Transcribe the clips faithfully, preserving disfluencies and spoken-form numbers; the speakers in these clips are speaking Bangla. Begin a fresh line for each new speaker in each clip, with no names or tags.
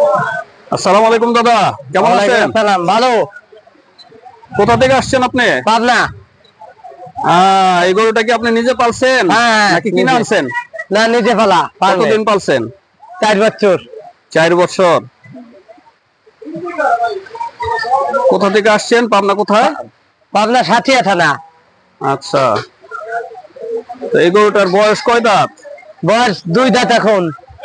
আসসালামু আলাইকুম দাদা, কেমন আছেন?
সালাম, ভালো।
কোথা থেকে আসছেন আপনি?
পাবনা।
আহ এই গরুটা কি আপনি নিজে পালছেন নাকি কিনে আনছেন?
না, নিজে পালা।
কতদিন পালছেন?
চার বছর।
চার বছর। কোথা থেকে আসছেন? পাবনা কোথায়?
পাবনা সাথিয়া থানা।
আচ্ছা, তো এই গরুটার বয়স কয় দাঁত?
বয়স দুই দাঁত এখন।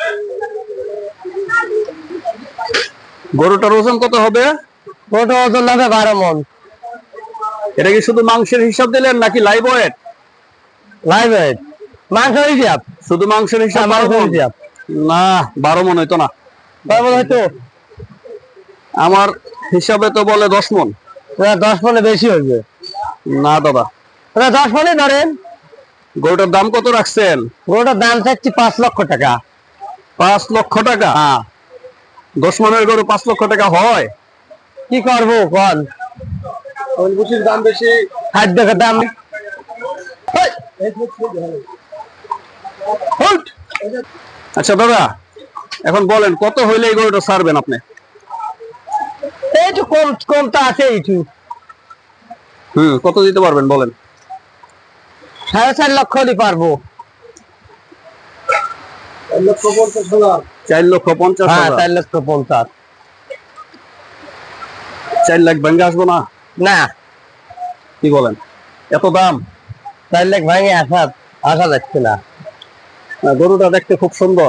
গরুটার ওজন কত হবে?
ওটা ওজন হবে বারো মন।
এটা কি শুধু মাংসের হিসাব দিলেন নাকি লাইভ ওয়েট?
লাইভ ওয়েট, মাংস হিসাব।
শুধু মাংসের হিসাব?
মাংস হিসাব
না, বারো মন হইতো না।
বারো মন হয়তো?
আমার হিসাবে তো বলে দশ মন।
দশ মনে বেশি হইবে।
না দাদা,
দশ মনে ধরেন।
গরুটার দাম কত রাখছেন?
গরুটার দাম চাচ্ছি পাঁচ লক্ষ টাকা।
পাঁচ লক্ষ টাকা?
হ্যাঁ।
দশ মনের গরু পাঁচ লক্ষ টাকা হয়?
কি করবো কন,
দাম বেশি,
খাদ্য দাম।
আচ্ছা দাদা, এখন বলেন কত হইলে এই গরুটা ছাড়বেন আপনি?
একটু কম কম তো আছে একটু।
হুম কত দিতে পারবেন বলেন?
সাড়ে চার লক্ষ হলে পারবো।
চার লক্ষ পঞ্চাশ
হ্যাঁ,
হাজার?
চার লক্ষ পঞ্চাশ।
চার লাখ ভেঙে আসবো না?
না।
কি বলেন, এত দাম?
চার লাখ ভাঙে আসা আসা যাচ্ছে না।
গরুটা দেখতে খুব সুন্দর।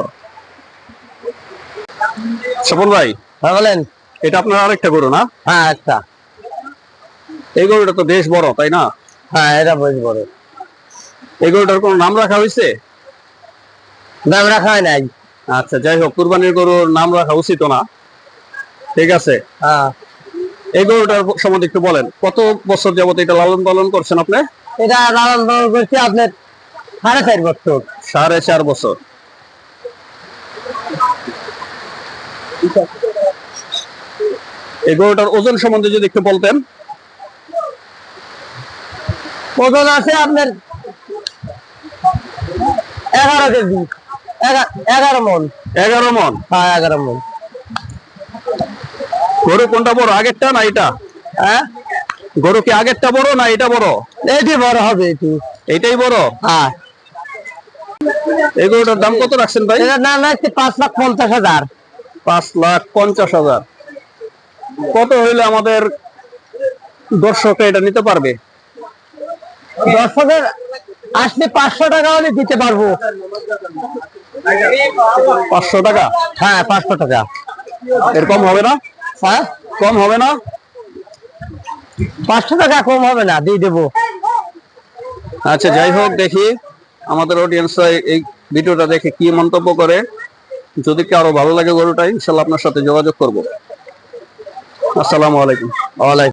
সফল ভাই,
হ্যাঁ বলেন।
এটা আপনার আরেকটা গরু না?
হ্যাঁ, আচ্ছা।
এই গরুটা তো বেশ বড়, তাই না?
হ্যাঁ, এটা বেশ বড়।
এই গরুটার কোন নাম রাখা হয়েছে?
নাম রাখা হয় নাই।
আচ্ছা, যাই হোক, কুরবানির গরুর নাম রাখা উচিত না। ঠিক আছে।
হ্যাঁ।
এই গরুটার সম্বন্ধে একটু বলেন, কত বছর যাবত এটা লালন পালন করছেন আপনি?
এটা লালন পালন করছি আপনার সাড়ে চার বছর।
সাড়ে চার বছর। এই গরুটার ওজন সম্বন্ধে যদি একটু বলতেন।
ওজন আছে আপনার এগারো কেজি, এগারো মন।
এগারো মন?
হ্যাঁ, এগারো মন।
গরু কোনটা বড়, আগেরটা না এটা?
হ্যাঁ,
গরু কি আগেরটা বড় না এটা বড়?
এটি বড় হবে। এটি
এইটাই বড়?
হ্যাঁ।
এই গরুটার দাম কত রাখছেন ভাই?
এটার দাম রাখছে পাঁচ লাখ পঞ্চাশ হাজার।
পাঁচ লাখ পঞ্চাশ হাজার। কত হইলে আমাদের দর্শক এটা নিতে পারবে?
দর্শকের আসলে পাঁচশো টাকা হলে দিতে পারবো।
পাঁচশো টাকা?
হ্যাঁ, পাঁচশো টাকা।
এর কম হবে না?
হ্যাঁ,
কম হবে না?
পাঁচশো টাকা কম হবে না, দিয়ে দেবো।
আচ্ছা, যাই হোক, দেখি আমাদের অডিয়েন্স এই ভিডিওটা দেখে কি মন্তব্য করে। যদি কারো ভালো লাগে গরুটা, ইনশাল্লাহ আপনার সাথে যোগাযোগ করবো। আসসালামু আলাইকুম।
ওয়ালাইকুম